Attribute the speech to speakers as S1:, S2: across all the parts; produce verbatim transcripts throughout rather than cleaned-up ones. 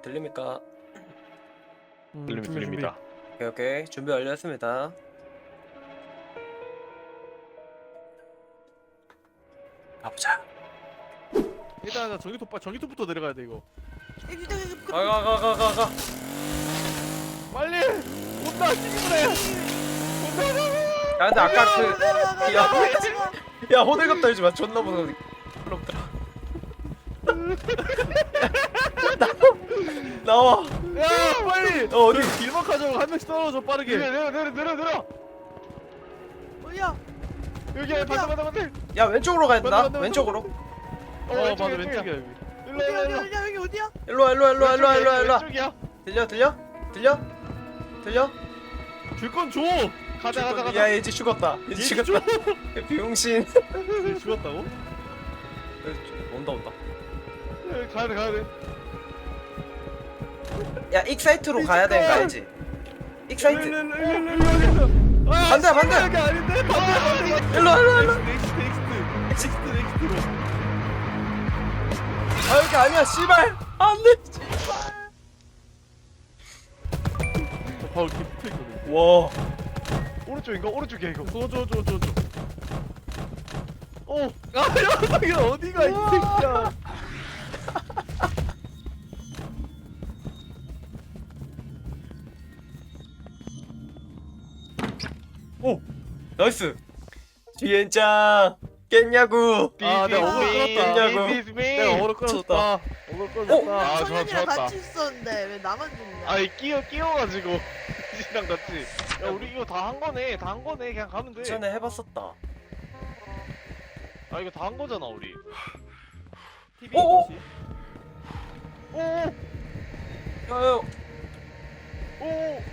S1: 들립니까?
S2: 음,
S3: 들립니다.
S2: 준비,
S3: 들립니다.
S1: 오케이 오케이 준비 완료했습니다. 가보자.
S2: 준비. 일단 나 전기톱 빠 전기톱부터 내려가야 돼 이거.
S1: 가가 가 가 가 가.
S2: 빨리 온다 튀기래. 온다.
S1: 야 근데 아까 그 야, 야 호들갑 떨지 마. 존나 무서워. 그럼들아. 나와.
S2: 야 빨리.
S1: 어 어디?
S2: 길막하자고 한 명씩 떨어져 빠르게.
S3: 내려 내려 내려 내려.
S4: 어디야?
S3: 여기 반대 반대 반대.
S1: 야 왼쪽으로 가야 된다.
S2: 맞다, 맞다,
S1: 왼쪽으로.
S2: 어
S3: 왼쪽이야,
S2: 맞아
S3: 왼쪽이야.
S2: 왼쪽이야 여기.
S3: 일로
S4: 어디야?
S3: 일로 일로.
S4: 어디야? 여기 어디야?
S1: 일로 와 일로 와 일로 와 일로 와 일로 와 일로 와.
S3: 왼쪽이야.
S1: 들려 들려 들려 들려?
S2: 줄건 줘.
S3: 가자 가자 가자.
S1: 야 얘 이제 죽었다. 이제
S2: 얘
S1: 죽었다. 비용신.
S2: 얘 죽었다고?
S1: 온다 온다.
S3: 가야 돼 가야 돼.
S1: 야 익사이트로 가야 되는 거 알지? 익사이트.
S2: 아,
S1: 반대, 반대.
S2: 이게 아닌데 반대 반대.
S1: 일로 와 일로 와 일로 와.
S2: 넥스트 넥스트 넥스트 넥스트로.
S1: 아 여기 아니야 씨발. 안돼 씨발.
S2: 바로 이렇게 붙어 있거든.
S1: 와.
S3: 오른쪽인가 오른쪽이야 이거.
S2: 저저저저 저. 어. 아 녀석이 어디가 이 새끼야.
S1: 오 나이스. 뒤엔짱 깼냐고.
S2: 아, 내가 어그로 끌었다.
S1: 깼냐고.
S2: 내가 어그로 끌어줬다. 어그로 끌어줬다.
S3: 아, 좋아,
S4: 청년이랑
S3: 좋았다.
S4: 같이 있었는데 왜 나만 죽냐?
S3: 아이 끼어 끼어가지고 이랑 같이. 야 우리 이거 다 한 거네 다 한 거네 그냥 가면 돼.
S1: 전에 해봤었다.
S3: 아 이거 다 한 거잖아 우리.
S2: 티비
S1: 오, 오.
S2: 혹시?
S3: 오
S1: 야야.
S3: 오.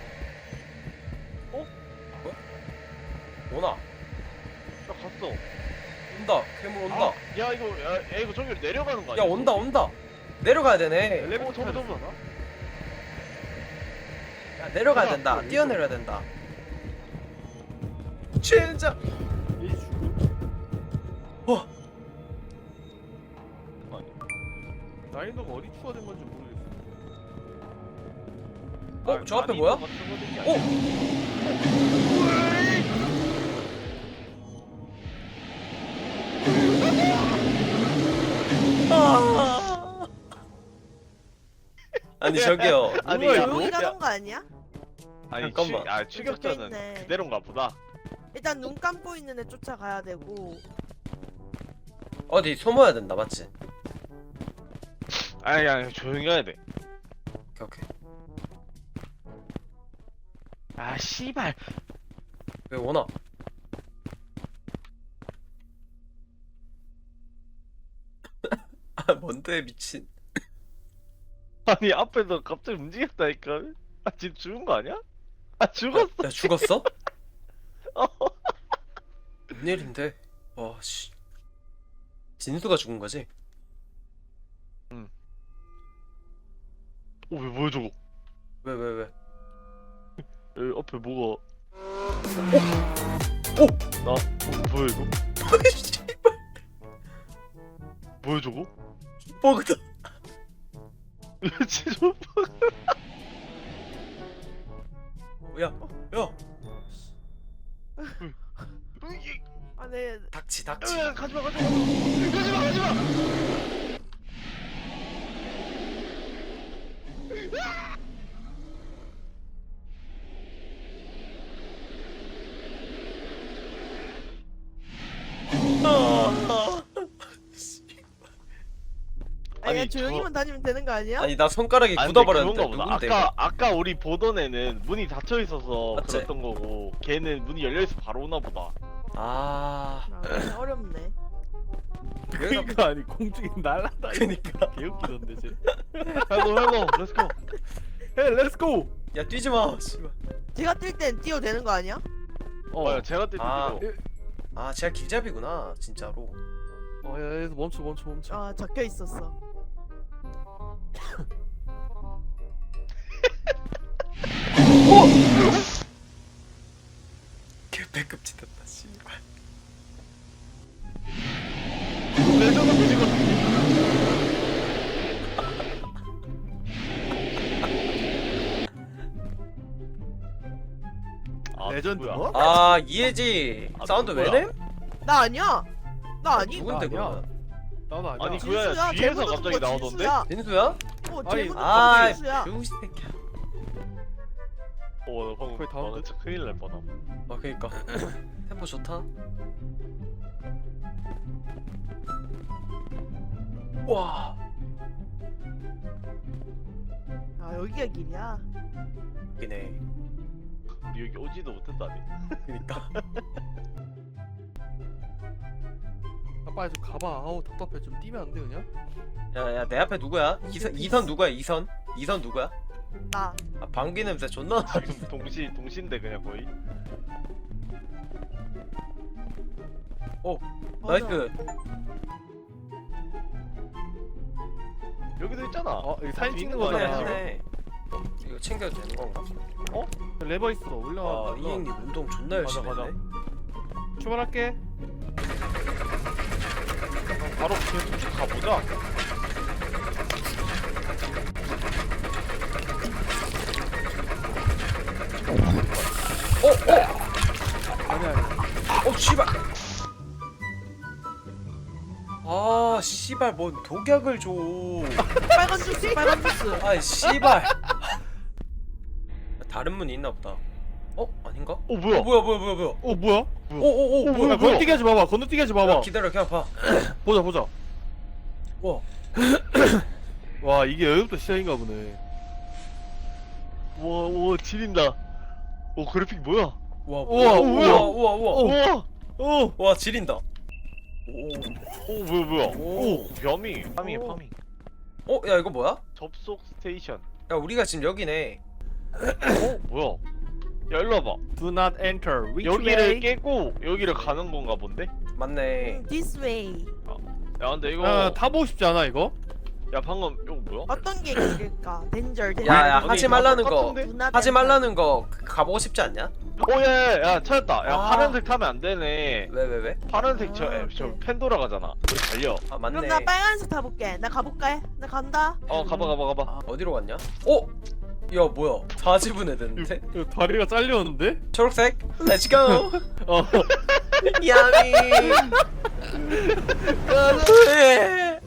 S1: 오나.
S3: 나 갔어.
S1: 온다. 괴물 온다.
S3: 아, 야 이거 야, 야 이거 저기 내려가는 거
S1: 야
S3: 아니야?
S1: 온다 온다. 내려가야 되네.
S2: 엘리베이터
S3: 저거, 저거.
S2: 타야
S1: 야 내려가야
S2: 가자.
S1: 된다.
S2: 여기
S1: 뛰어내려야 된다. 진짜.
S2: 얘 죽음?
S1: 와.
S2: 난이도가 어디 추가된 건지 모르겠어.
S1: 어, 저 앞에 뭐야? 오. 아. 아니 저기요.
S3: 아니,
S2: 뭐야,
S3: 야,
S2: 이거?
S4: 조용히
S3: 야.
S4: 가는 거 아니야?
S3: 아니
S1: 잠깐만.
S3: 추, 아 추격자는
S4: 적혀있네.
S3: 그대로인가 보다.
S4: 일단 눈 감고 있는 애 쫓아가야 되고.
S1: 어디 숨어야 된다 맞지?
S3: 아니 그냥 조용히 가야 돼.
S1: 오케이 오케이.
S3: 아 씨발.
S1: 왜 오나? 아 뭔데 미친.
S3: 아니 앞에서 갑자기 움직였다니까. 아 지금 죽은 거 아니야? 아 죽었어.
S1: 야 죽었어?
S3: 어.
S1: 웬일인데? 와 씨. 진수가 죽은 거지?
S3: 어왜 뭐야 저거?
S1: 왜 왜 왜?
S3: 여기 앞에 뭐가?
S1: 오!
S3: 나 어, 뭐야 이거?
S1: 씨발
S3: 뭐야 저거?
S1: 버그다.
S3: 진짜 뭐?
S1: 야, 야,
S4: 아, 네.
S1: 닥치, 닥치.
S3: 야, 가지마 가지마 가지마 가지마.
S1: 아,
S4: 아니,
S3: 아니,
S4: 조용히만 다니면 되는 거 아니야?
S1: 아니 나 손가락이
S3: 아니, 근데
S1: 굳어버렸는데
S3: 그건가 보다.
S1: 누군데?
S3: 아까 아까 우리 보던 애는 문이 닫혀 있어서
S1: 맞지?
S3: 그랬던 거고 걔는 문이 열려 있어 바로 오나 보다.
S1: 아,
S4: 아, 어렵네.
S2: 그러니까 아니 공중에 날아다니는
S1: 그니까.
S2: 개웃기던데 쟤.
S3: 헬로 헬로 렛츠고.
S2: 헤이 렛츠고.
S1: 야 뛰지 마, 씨발.
S4: 제가 뛸 땐 뛰어도 되는 거 아니야?
S3: 어, 야, 제가 때도
S1: 아.
S3: 이거.
S1: 아, 제가 길잡이구나, 진짜로.
S2: 어야 멈춰 멈춰 멈춰.
S4: 아, 적혀 있었어.
S1: 개패급 찢었다, 씨발.
S3: 레전드 피지컬.
S2: 레전드
S3: 뭐야?
S2: 뭐?
S1: 아 이해지.
S3: 아,
S1: 사운드
S3: 누구야?
S1: 왜 내?
S4: 나 아니야. 나 아니.
S1: 누군데
S2: 나 아니야.
S1: 그러면?
S2: 나도 아니야.
S3: 아니, 그-
S4: 진수야.
S3: 그거야, 뒤에서
S4: 제보도
S3: 갑자기
S4: 그거
S3: 나오던데?
S4: 진수야.
S1: 진수야?
S4: 어,
S2: 아니,
S4: 제보도
S1: 아
S4: 그거 진수야.
S1: 병신 새끼야.
S3: 어, 나 방금
S2: 거의 다
S3: 아,
S2: 온대?
S3: 진짜 큰일 날 뻔함.
S1: 아 그니까 템포 좋다. 와
S4: 아, 여기가 길이야.
S1: 이네.
S3: 우리 여기 오지도 못했다니.
S1: 그니까.
S2: 아, 빨리 좀 가봐. 아우 답답해. 좀 뛰면 안 돼 그냥?
S1: 야야 내 앞에 누구야? 이선 이선 누구야? 이선 이선 누구야?
S4: 나.
S1: 아 방귀 냄새 존나 나.
S3: 지금 동시 동시인데 그냥 거의.
S1: 나이스.
S3: 여기도 있잖아.
S2: 어 여기 사진 찍는
S3: 거 아니야,
S2: 거잖아.
S1: 네. 이거 챙겨도 되는 건가?
S2: 레버 있어. 올라와.
S1: 아
S2: 올라와.
S1: 이행님 운동 존나 열심히
S3: 가자,
S1: 했네.
S2: 출발할게.
S3: 바로 그냥 쭉 가보자.
S2: 아니 아니.
S1: 어 씨발. 아 씨발 뭔 독약을 줘.
S4: 빨간 주스, 빨간 주스.
S1: 아이 씨발. 다른 문이 있나 보다. 어 아닌가?
S3: 어
S1: 어
S3: 뭐야?
S1: 뭐야 뭐야 뭐야 뭐야.
S2: 어 뭐야?
S1: 오오오
S3: 어,
S1: 뭐야?
S2: 야, 건너뛰기 하지 마봐. 건너뛰기 하지
S1: 야,
S2: 마봐.
S1: 기다려 그냥 봐.
S2: 보자 보자.
S1: 와.
S2: 와 이게 여기부터 시작인가 보네.
S3: 우와 우와 지린다. 오 그래픽 뭐야?
S1: 와
S2: 우와,
S1: 우와
S2: 뭐야?
S1: 우와 우와 우와.
S3: 우와.
S2: 어.
S1: 와 지린다.
S3: 오 뭐야 뭐야?
S1: 오.
S3: 오 벼미. 파밍
S4: 오.
S3: 파밍.
S1: 어 야 이거 뭐야?
S3: 접속 스테이션.
S1: 야 우리가 지금 여기네.
S3: 어 뭐야? 야 일로 와봐.
S2: Do not enter. Which
S3: 여기를
S2: way?
S3: 깨고 여기를 가는 건가 본데?
S1: 맞네.
S4: 음, this way.
S3: 야 근데 이거
S2: 아 타보고 싶지 않아 이거?
S3: 야 방금 이거 뭐야?
S4: 어떤 게 길일까? 덴절, 덴절.
S1: 야야
S3: 아니,
S1: 하지
S3: 다
S1: 말라는 거.
S3: 똑같은데?
S4: 누나
S1: 하지
S4: 덴절.
S1: 말라는 거 가보고 싶지 않냐?
S3: 오야야 야, 찾았다. 야
S1: 아.
S3: 파란색 타면 안 되네.
S1: 왜 왜 왜?
S3: 파란색 저,
S4: 아,
S3: 에, 저
S4: 오케이.
S3: 펜도라 가잖아. 우리 달려.
S1: 아
S4: 그럼
S1: 맞네.
S4: 나 빨간색 타볼게. 나 가볼까? 나 간다.
S3: 어 가봐 가봐 가봐.
S1: 아, 어디로 갔냐? 어? 야 뭐야? 사 지분 해야 되는데?
S2: 이거 다리가 잘렸는데?
S1: 초록색? Let's go!
S2: 어.
S1: 야미! 네.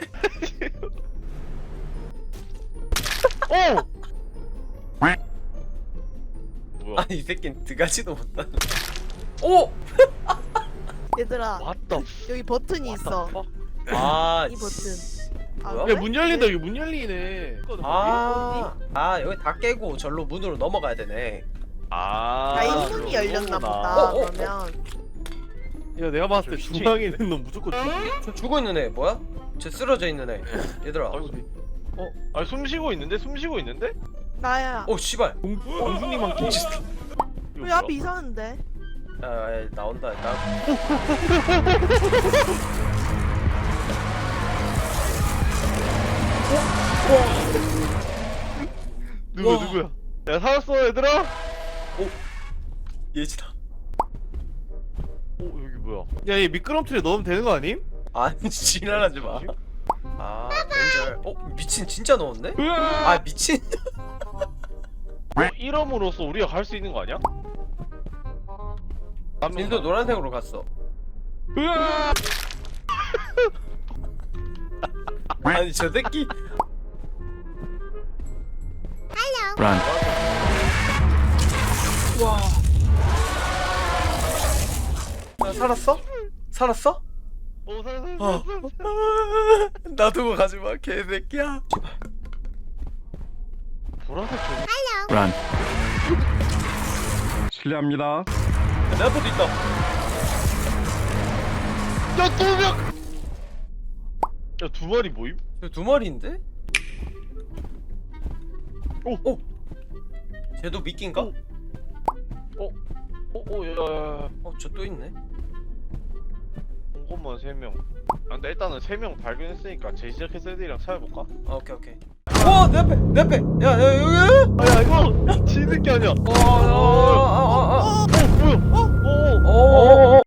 S3: 오! 뭐야?
S1: 아니 이 새끼는 드가지도 못하네. 오!
S4: 얘들아,
S3: 왔다.
S4: 여기 버튼이 있어.
S1: 아
S4: 이 버튼. 아,
S1: 뭐야?
S4: 그래?
S2: 야 문 열린다. 여기 문 열리네.
S1: 아, 아 여기 다 깨고 절로 문으로 넘어가야 되네.
S3: 아.
S4: 아, 이 문이 열렸나
S3: 그거구나.
S4: 보다.
S1: 어, 어, 어.
S4: 그러면
S2: 야 내가 봤을 때
S3: 저
S2: 중앙에 있는 놈 무조건 죽이.
S1: 저 죽어 있는 애 뭐야? 저 쓰러져 있는 애. 얘들아.
S3: 아이고. 어? 아니 숨 쉬고 있는데? 숨 쉬고 있는데?
S4: 나야.
S1: 오 씨발.
S2: 공 공주님만 끼.
S3: 이거
S4: 왜
S3: 뭐야?
S4: 앞이 이상한데?
S1: 야, 야 나온다 일단.
S3: 누구야
S1: 와.
S3: 누구야? 야 살았어 얘들아?
S1: 예지다.
S3: 어 여기 뭐야?
S2: 야얘 미끄럼틀에 넣으면 되는 거 아님?
S1: 아니 지랄하지 마. 아 렌절. 어 미친 진짜 넣었네? 아 미친.
S3: 어, 이름으로써 우리가 갈 수 있는 거 아니야?
S1: 진도 노란색으로 갔어. 아니 저 새끼. 와. 야, 살았어? 살았어?
S3: 오 살았어 살았어
S1: 어.
S3: 살았어.
S1: 놔두고 가지 마 개새끼야.
S3: 보라색 저기
S5: 실례합니다.
S1: 내 앞에도 있다.
S3: 야두 명! 야두 마리 모임?
S1: 저두 마리인데?
S3: 오!
S1: 오! 쟤도 미끼인가?
S3: 오. 오오야야야
S1: 어, 저 또 있네.
S3: 온 것만 세 명. 아 근데 일단은 세 명 발견했으니까 재시작해서 애들이랑 찾아볼까?
S1: 아, 오케이, 오케이. 와, 내 앞에, 내 앞에. 야, 야, 여기.
S3: 아야 이거 지는 게 아니야.
S1: 어, 어, 어, 어, 어, 어.
S3: 어 뭐야? 어? 어?
S1: 어, 어, 어,